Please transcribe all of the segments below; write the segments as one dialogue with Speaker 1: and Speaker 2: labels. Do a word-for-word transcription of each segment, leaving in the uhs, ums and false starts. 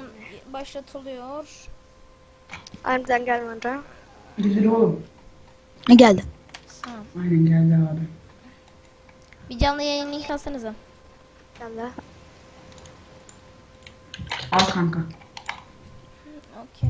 Speaker 1: an başlatılıyor.
Speaker 2: Aniden gelmedi.
Speaker 3: Güzel oğlum.
Speaker 4: Ne geldi?
Speaker 1: Tamam.
Speaker 3: Aynen geldi abi.
Speaker 1: Bir canlı yayın link atsanıza.
Speaker 2: Geldi.
Speaker 3: Al kanka.
Speaker 1: Okey.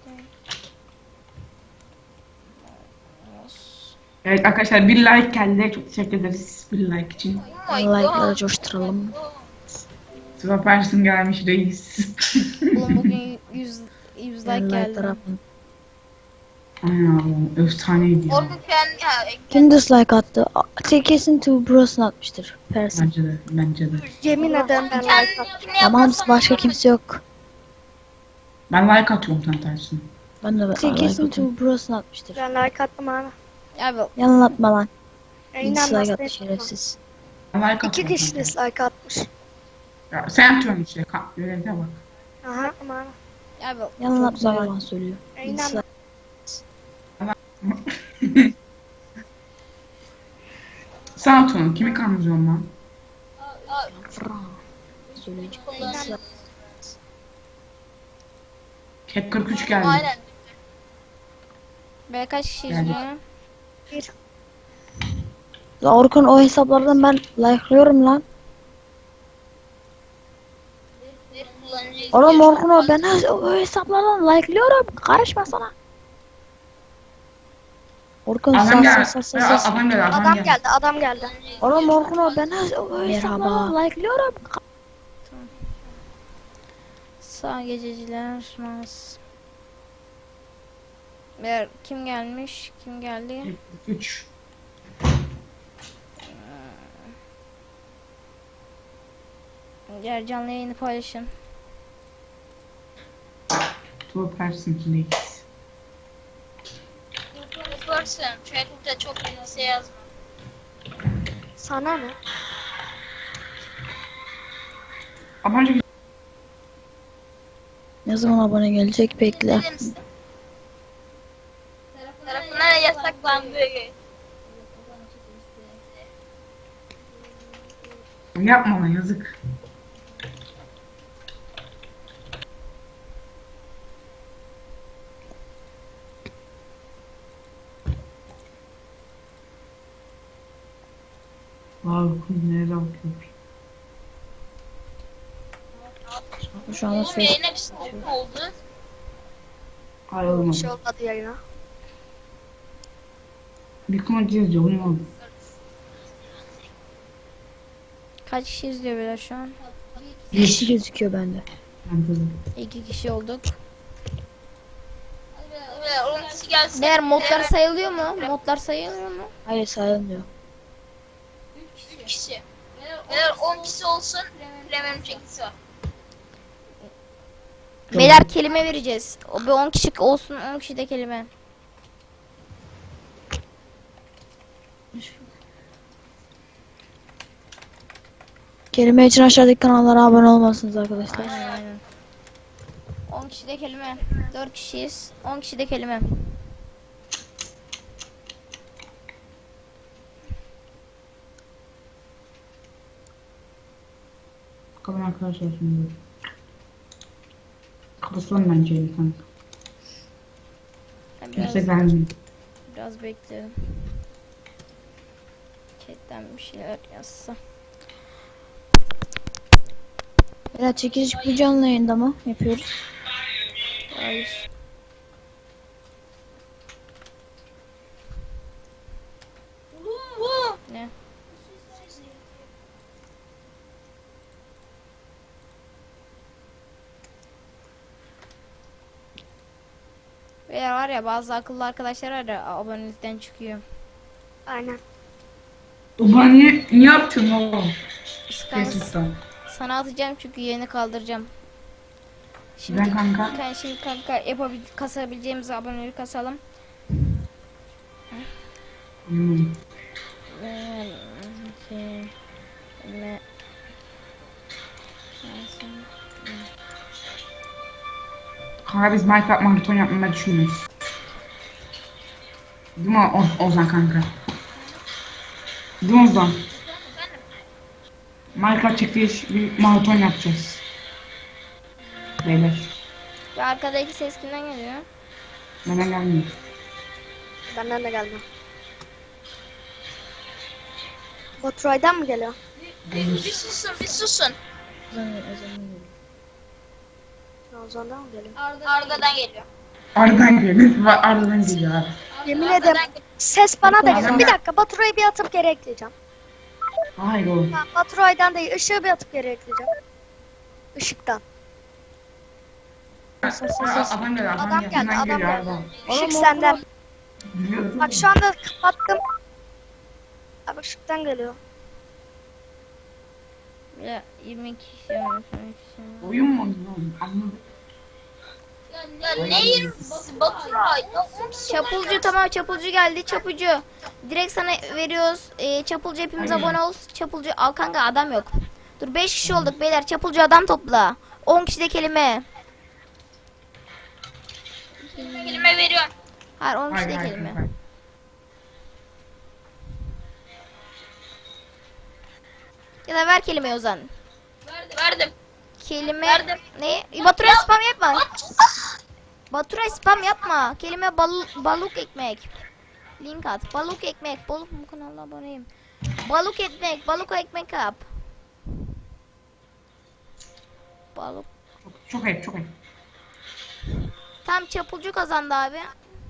Speaker 3: Evet arkadaşlar bir like geldi. Çok teşekkür ederiz bir like için.
Speaker 4: Like'ları coşturalım.
Speaker 3: Süpersin gelmiş reis.
Speaker 1: Oğlum bugün yüz yüz like geldi.
Speaker 4: Like'ları atın.
Speaker 3: Aynen abi. Efsaneydi ya.
Speaker 5: Orkun kendi ya,
Speaker 4: Kim dislike attı? A- Kesin Two Bros'un atmıştır. Persin.
Speaker 3: Bence de. Bence de.
Speaker 2: Yemin ederim ben like attım.
Speaker 5: kendine
Speaker 4: Tamam
Speaker 5: yaparsan
Speaker 4: başka
Speaker 5: olur.
Speaker 4: kimse yok.
Speaker 3: Ben like atıyorum tam tersine.
Speaker 4: Ben de like
Speaker 2: Kesin
Speaker 4: atıyorum. Two Bros'un atmıştır.
Speaker 2: Ben like attım abi.
Speaker 1: Abi
Speaker 4: Yalan atma lan.
Speaker 2: Yayından
Speaker 4: Dislike attı
Speaker 2: bahsettim.
Speaker 4: şerefsiz.
Speaker 3: Ben like
Speaker 2: İki
Speaker 3: atıyorum.
Speaker 2: kişi
Speaker 3: tam tersine.
Speaker 2: dislike atmış.
Speaker 3: Ya, sen atıyorsun işte. Ka- Görevde bak.
Speaker 2: Aha ama
Speaker 1: abi
Speaker 4: Yalan
Speaker 1: çok
Speaker 4: atma
Speaker 1: güzel.
Speaker 4: yalan söylüyor.
Speaker 2: yayından
Speaker 4: Dislike.
Speaker 3: Sen atıyorsun. Kimi kandırıyorsun lan?
Speaker 4: Fran. Söyleyecek.
Speaker 5: Kullanın.
Speaker 3: Hep kırk üç geldi.
Speaker 5: Aynen.
Speaker 1: Be kaç kişi
Speaker 3: Yani.
Speaker 1: izliyor?
Speaker 2: bir.
Speaker 4: La Orkun o hesaplardan ben like'lıyorum lan.
Speaker 5: Bir kullanıcı
Speaker 4: Oğlum
Speaker 5: izliyor.
Speaker 4: Orkun o ben o o hesaplardan like'lıyorum. Karışma sana. Orkun
Speaker 3: Adam
Speaker 4: sas
Speaker 3: geldi.
Speaker 4: sas sas
Speaker 3: Ya,
Speaker 4: sas.
Speaker 3: Adam geldi. Adam
Speaker 2: Adam
Speaker 3: geldi.
Speaker 2: geldi adam geldi.
Speaker 4: Oğlum Orkun o ben o o hesaplardan like'lıyorum.
Speaker 1: Sağ gececiler. Mas. Ver kim gelmiş? Kim geldi?
Speaker 3: üç.
Speaker 1: Diğer canlı yayını paylaşın.
Speaker 3: Süpersin reis.
Speaker 5: Yaparsın. Chat'te çok kimse yazma.
Speaker 2: Sana ne?
Speaker 3: Ama önce
Speaker 4: Ne zaman abone gelecek bekle.
Speaker 5: Bilir misin? Tarafından yasaklandı.
Speaker 3: yapma lan yazık. Wow, nereye bakıyor?
Speaker 4: Şu anda
Speaker 5: Oğlum
Speaker 4: Facebook.
Speaker 5: yayına bir şey oldu.
Speaker 3: Hayır
Speaker 2: Bir
Speaker 3: olmadı.
Speaker 2: şey olmadı yayına.
Speaker 3: Bir konu yazıyor, bu ne oldu?
Speaker 1: Kaç kişi izliyor böyle şu an?
Speaker 4: Yeşil gözüküyor bende.
Speaker 3: Ben de-
Speaker 1: İki kişi olduk.
Speaker 5: Ve on kişi gelsin.
Speaker 1: Diğer modlar sayılıyor mu? Modlar sayılıyor mu?
Speaker 4: Hayır sayılmıyor.
Speaker 5: üç kişi. Eğer on kişi olsun premium çekisi var.
Speaker 1: Beyler kelime vereceğiz. O bir on kişi olsun, on kişi de kelime.
Speaker 4: Kelime için aşağıdaki kanallara abone olmalısınız arkadaşlar.
Speaker 1: Aynen aynen. on kişi de kelime. dört kişiyiz. on kişi de kelime.
Speaker 3: Bakalım arkadaşlar şimdi. Kapatalım bence evi kanka.
Speaker 1: Ben biraz,
Speaker 3: Kimse gelmiyor.
Speaker 1: biraz bekleyelim. Chatten bir şeyler yazsa.
Speaker 4: Ya çekiliş bu canlı yayında mı yapıyoruz?
Speaker 1: Hayır. Ne? Veya var ya bazı akıllı arkadaşlar var ya abonelikten çıkıyor.
Speaker 2: Aynen.
Speaker 3: Ulan niye, niye yaptın oğlum?
Speaker 1: Sıkan-
Speaker 3: Facebook'tan.
Speaker 1: Sana atacağım çünkü yayını kaldıracağım. Şimdi
Speaker 3: Ben kanka.
Speaker 1: kan şimdi kanka yapabil kasabileceğimiz abonelik kasalım.
Speaker 3: Hmm.
Speaker 1: Ee, şey, me-
Speaker 3: Kanka biz Minecraft maraton yapmayı düşünüyoruz. Değil mi o Ozan kanka? Değil mi Ozan? Minecraft çektiği bir maraton yapacağız. Beyler.
Speaker 1: Ve arkadaki ses kimden geliyor?
Speaker 3: Bana gelmiyor.
Speaker 2: Benden de geldi. Baturay'dan mı geliyor?
Speaker 5: Bir, bir susun bir susun.
Speaker 2: Ozan'dan mı geliyor?
Speaker 5: Arda'dan geliyor.
Speaker 3: Arda'dan geliyor. Arda'dan geliyor abi.
Speaker 2: Yemin
Speaker 5: Arda'dan
Speaker 2: ederim
Speaker 5: geliyor.
Speaker 2: ses bana da
Speaker 3: Arda'dan
Speaker 2: geliyor. Bir dakika Baturay'ı bir atıp geri ekleyeceğim.
Speaker 3: Hayır oğlum.
Speaker 2: Ha, Baturay'dan değil ışığı bir atıp geri ekleyeceğim. Işıktan.
Speaker 3: Aa, Adam geliyor. Adam,
Speaker 2: Adam
Speaker 3: geldi.
Speaker 2: geldi,
Speaker 3: Adam
Speaker 2: adam
Speaker 3: geliyor.
Speaker 2: geldi.
Speaker 3: Adam.
Speaker 2: Işık senden.
Speaker 3: Biliyorum.
Speaker 2: Bak şu anda kapattım. Abi ışıktan geliyor.
Speaker 1: Ya yirmi iki kişi var. yirmi iki kişi.
Speaker 3: Oyun mu oynuyor oğlum? Anladım.
Speaker 5: Ya ne yirmi Baturay? Ya on kişi
Speaker 1: Çapulcu tamam, çapulcu geldi. Çapulcu. Direkt sana veriyoruz. Ee, çapulcu hepimiz
Speaker 3: Aynen.
Speaker 1: abone ol. Çapulcu al kanka, adam yok. Dur beş kişi olduk beyler. Çapulcu adam topla. on kişi de kelime.
Speaker 5: kelime veriyorum.
Speaker 1: Hayır on kişi
Speaker 3: Hayır
Speaker 1: de
Speaker 3: hayır.
Speaker 1: kelime.
Speaker 3: hayır.
Speaker 1: Ya da ver kelimeyi Ozan.
Speaker 5: Verdim.
Speaker 1: Kelime
Speaker 5: Verdim.
Speaker 1: ne? Baturay spam yapma. Baturay spam yapma. Kelime bal balık ekmek. Link at. Balık ekmek. Balık bu kanala aboneyim. Balık ekmek. Balık ekmek yap. Balık.
Speaker 3: Çok, çok ayıp çok ayıp.
Speaker 1: Tam çapulcu kazandı abi.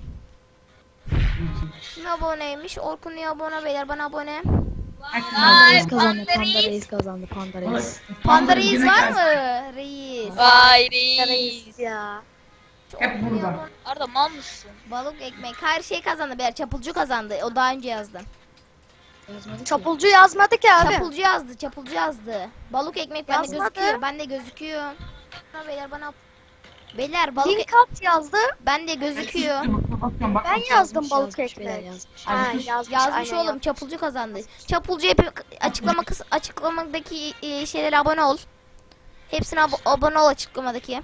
Speaker 1: Kim aboneymiş? Orkun niye abone beyler? Bana abone.
Speaker 3: Herkes
Speaker 5: Vay
Speaker 4: Reis kazandı.
Speaker 5: Panda
Speaker 4: Panda
Speaker 5: Reis.
Speaker 4: Reis kazandı. Panda Reis.
Speaker 1: Panda reis
Speaker 3: yine
Speaker 1: var
Speaker 3: gelsin.
Speaker 1: mı? Reis.
Speaker 5: Vay reis.
Speaker 2: Reis ya.
Speaker 3: Hep burada.
Speaker 5: Arda mal mısın?
Speaker 1: Balık ekmek. Her şey kazandı beyler. Çapulcu kazandı. O daha önce yazdı.
Speaker 2: Çapulcu yazmadı ki abi.
Speaker 1: Çapulcu yazdı. Çapulcu yazdı. Balık ekmek bende
Speaker 2: Yazmadı.
Speaker 1: gözüküyor. Bende gözüküyor. Bana beyler bana. Beyler balık
Speaker 2: Link at yazdı.
Speaker 1: bende gözüküyor.
Speaker 3: Bakıyorum, bak.
Speaker 2: Ben yazdım balık
Speaker 4: Yazmış beyler,
Speaker 2: ekmek.
Speaker 4: yazmış.
Speaker 2: Ha
Speaker 3: Yazmış.
Speaker 2: yazmış.
Speaker 1: Yazmış
Speaker 2: aynen
Speaker 1: oğlum. Çapulcu kazandı. Çapulcu hep açıklama kıs açıklamadaki e, şeylere abone ol. Hepsine abo- abone ol açıklamadaki.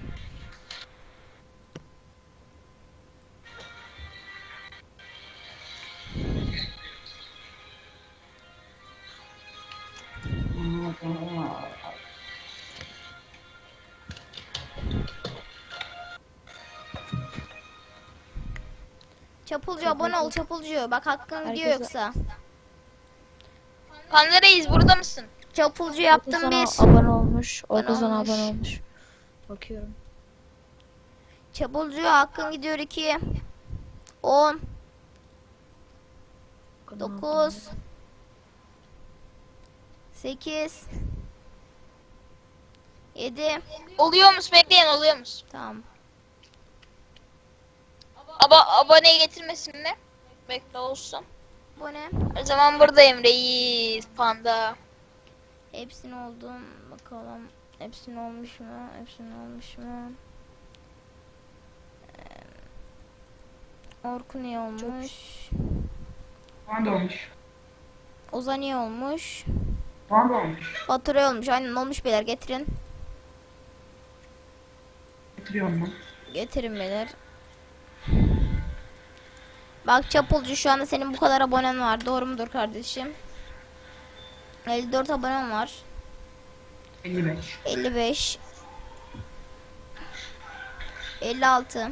Speaker 1: Çapulcu abone ol çapulcu. Bak hakkın gidiyor
Speaker 4: Herkese-
Speaker 1: yoksa.
Speaker 5: Panda Reis burada mısın?
Speaker 1: Çapulcu
Speaker 4: Orkun
Speaker 1: yaptım
Speaker 4: sana
Speaker 1: bir.
Speaker 4: abone olmuş. Orkun
Speaker 1: Abone
Speaker 4: sana
Speaker 1: olmuş.
Speaker 4: abone olmuş. Bakıyorum.
Speaker 1: Çapulcu hakkın gidiyor iki. on.
Speaker 4: Orkun
Speaker 1: dokuz. sekiz. yedi.
Speaker 5: Oluyormuş bekleyin oluyormuş.
Speaker 1: Tamam.
Speaker 5: Aba aboneye getirmesin mi? Bekle olsun.
Speaker 1: Bu ne?
Speaker 5: O zaman buradayım reis panda.
Speaker 1: Hepsini oldum. Bakalım. Hepsini olmuş mu? Hepsini olmuş mu? Ee, Orkun iyi olmuş.
Speaker 3: Puan da olmuş.
Speaker 1: Ozan iyi olmuş.
Speaker 3: Puan da olmuş.
Speaker 1: Baturay olmuş. Aynen olmuş beyler. Getirin.
Speaker 3: Getiriyorum ben.
Speaker 1: Getirin beyler. Bak Çapulcu şu anda senin bu kadar abonen var. Doğru mudur kardeşim? elli dört abonen var.
Speaker 3: elli beş.
Speaker 1: elli beş. elli altı.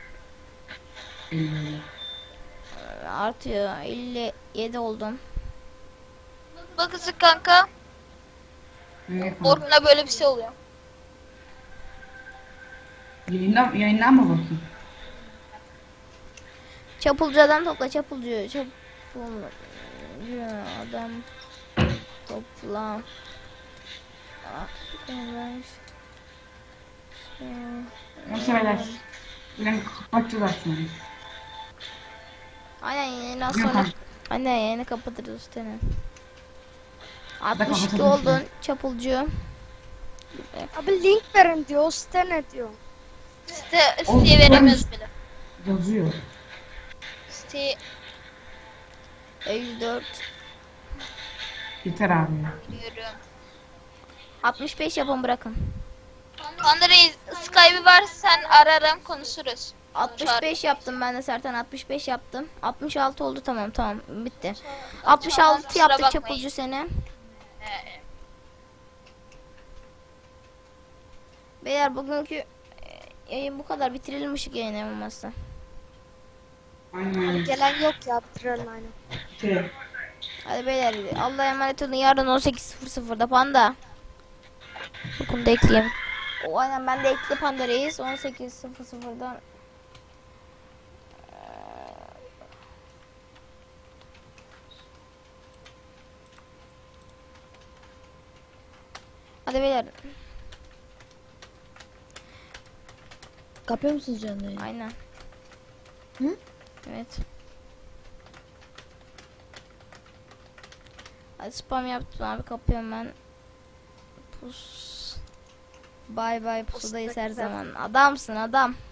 Speaker 3: elli.
Speaker 1: Artıyor. elli yedi oldum.
Speaker 5: Bakızık kanka.
Speaker 3: Evet,
Speaker 5: Orkun'a böyle bir şey oluyor.
Speaker 3: Yayından, yayından mı bakayım?
Speaker 1: Çapulcu adam topla çapulcu. Çapulcu adam topla. Ah, evet. Şey,
Speaker 3: Neyse beyler. Ben kapatacağız aslında.
Speaker 1: Aynen yayını az
Speaker 3: Yok
Speaker 1: sonra.
Speaker 3: abi.
Speaker 1: Aynen yayını kapatırız seni.
Speaker 3: kapatabilirsin.
Speaker 1: altmış iki oldun çapulcu.
Speaker 2: Abi link verin diyor. O site ne diyor?
Speaker 5: Site, siteye veremiyoruz bile.
Speaker 3: Yazıyor.
Speaker 5: Siteye
Speaker 1: elli dört.
Speaker 3: Yeter abi ya.
Speaker 5: giriyorum.
Speaker 1: altmış beş yapın bırakın.
Speaker 5: Panda Reis Skype'ı var sen ararım konuşuruz.
Speaker 1: altmış beş yaptım ben de Sertan altmış beş yaptım. altmış altı oldu tamam tamam bitti. altmış altı
Speaker 5: kusura
Speaker 1: yaptık
Speaker 5: bakmayın.
Speaker 1: çapulcu seni.
Speaker 5: Ee,
Speaker 1: Beyler bugünkü yayın bu kadar, bitirelim ışık yayını olmazsa.
Speaker 3: Aynen.
Speaker 2: Gelen yok ya, bitirelim aynen.
Speaker 3: Şey,
Speaker 1: Hadi beyler, Allah'a emanet olun. Yarın on sekiz sıfır sıfırda Panda. Bunu da ekleyeyim. O aynen, ben de ekli Panda Reis on sekiz sıfır sıfırda. Hadi beyler.
Speaker 4: Kapıyor musunuz canlı yayını?
Speaker 1: Aynen.
Speaker 4: Hı?
Speaker 1: Evet. Hadi spam yaptım abi, kapıyorum ben. Pus. Bay bay, pusudayız her zaman. Adamsın adam.